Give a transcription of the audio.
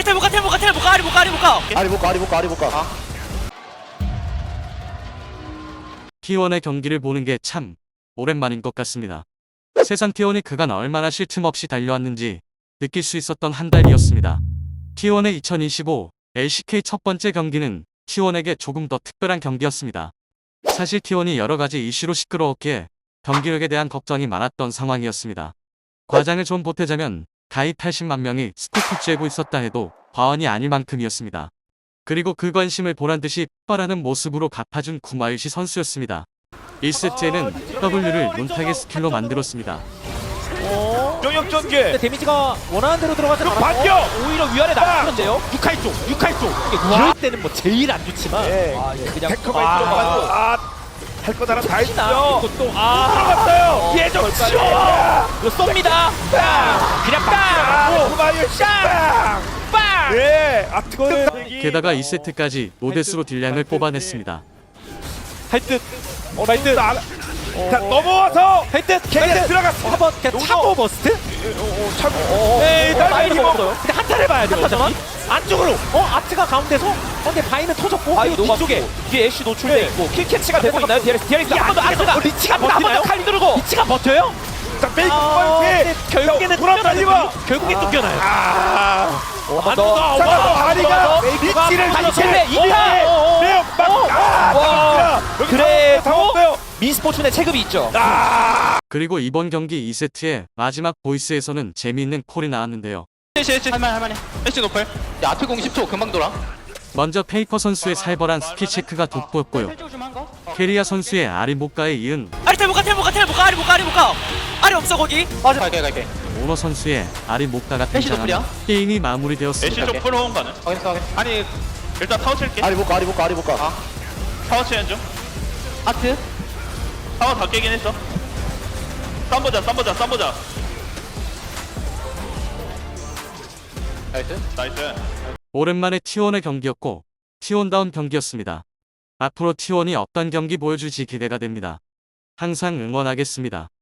아리 못 가. T1의 경기를 보는 게 참 오랜만인 것 같습니다. 세상 T1이 그간 얼마나 쉴 틈 없이 달려왔는지 느낄 수 있었던 한 달이었습니다. T1의 2025 LCK 첫 번째 경기는 T1에게 조금 더 특별한 경기였습니다. 사실 T1이 여러가지 이슈로 시끄러웠기에 경기력에 대한 걱정이 많았던 상황이었습니다. 과장을 좀 보태자면 가입 80만 명이 스티커 쬐고 있었다 해도 과언이 아닐 만큼이었습니다. 그리고 그 관심을 보란듯이 폭발하는 모습으로 갚아준 구마유시 선수였습니다. 1세트에는 W를 논타겟 스킬로 만들었습니다. 영역 전개. 데미지가 원하는 대로 들어가지 않았고 반격! 오히려 위아래 나갔는데요. 육칼 쪽. 이럴 때는 뭐 제일 안 좋지만 예. 그냥 데커가 들어가고 할 거 하나 다 혹시나 했죠. 이것도 들어갔어요. 예정 치워. 이거 쏩니다. 그냥 빵! 구마유 빵. 빵! 네. 뜨거운 게다가 2세트까지 노데스로 딜량을 뽑아냈습니다. 할듯 말듯 자 넘어와서 헤드 걔네 들어갔어. 한번 그냥 차고 버스트? 차고 네, 딸기 바이는 먹어. 먹어요. 근데 한타를 봐야 돼요. 한타만? 안쪽으로. 아트가 가운데서. 근데 바이는 터졌고. 이거 뒤쪽에. 뒤에 애쉬 노출돼 네. 있고 킬캐치가 되고 있나요? DRX 한번더 아트가 리치가 버티나요? 칼 누르고. 리치가 버텨요? 자 페이크 근데 결국에는 돌아다니고 결국에 쫓겨나요. 한번 더. 잠깐만 다리가 리치를 다시 이렇게 쳤네. 이타. 매우 막 그래도 민스포츠의 체급이 있죠. 그리고 이번 경기 2세트의 마지막 보이스에서는 재미있는 콜이 나왔는데요. 할만해. 애쉬 노플. 야 앞에 공 10초 금방 돌아. 먼저 페이커 선수의 살벌한 스킬 체크가 돋보였고요. 캐리아 선수의 아리 못가에 이은 아리 없어 거기. 맞아. 갈게. 오너 선수의 아리 못가가 애쉬 등장하며 노플이야? 게임이 마무리되었습니다. 애쉬 좀 풀어온 거는? 확인했어. 아니 일단 타워 칠게. 아리 못 가. 타워 치는 중. 아트. 타워 다 깨긴 했어. 쌈 보자. 나이스. 나이스. 오랜만에 T1의 경기였고 T1다운 경기였습니다. 앞으로 T1이 어떤 경기 보여줄지 기대가 됩니다. 항상 응원하겠습니다.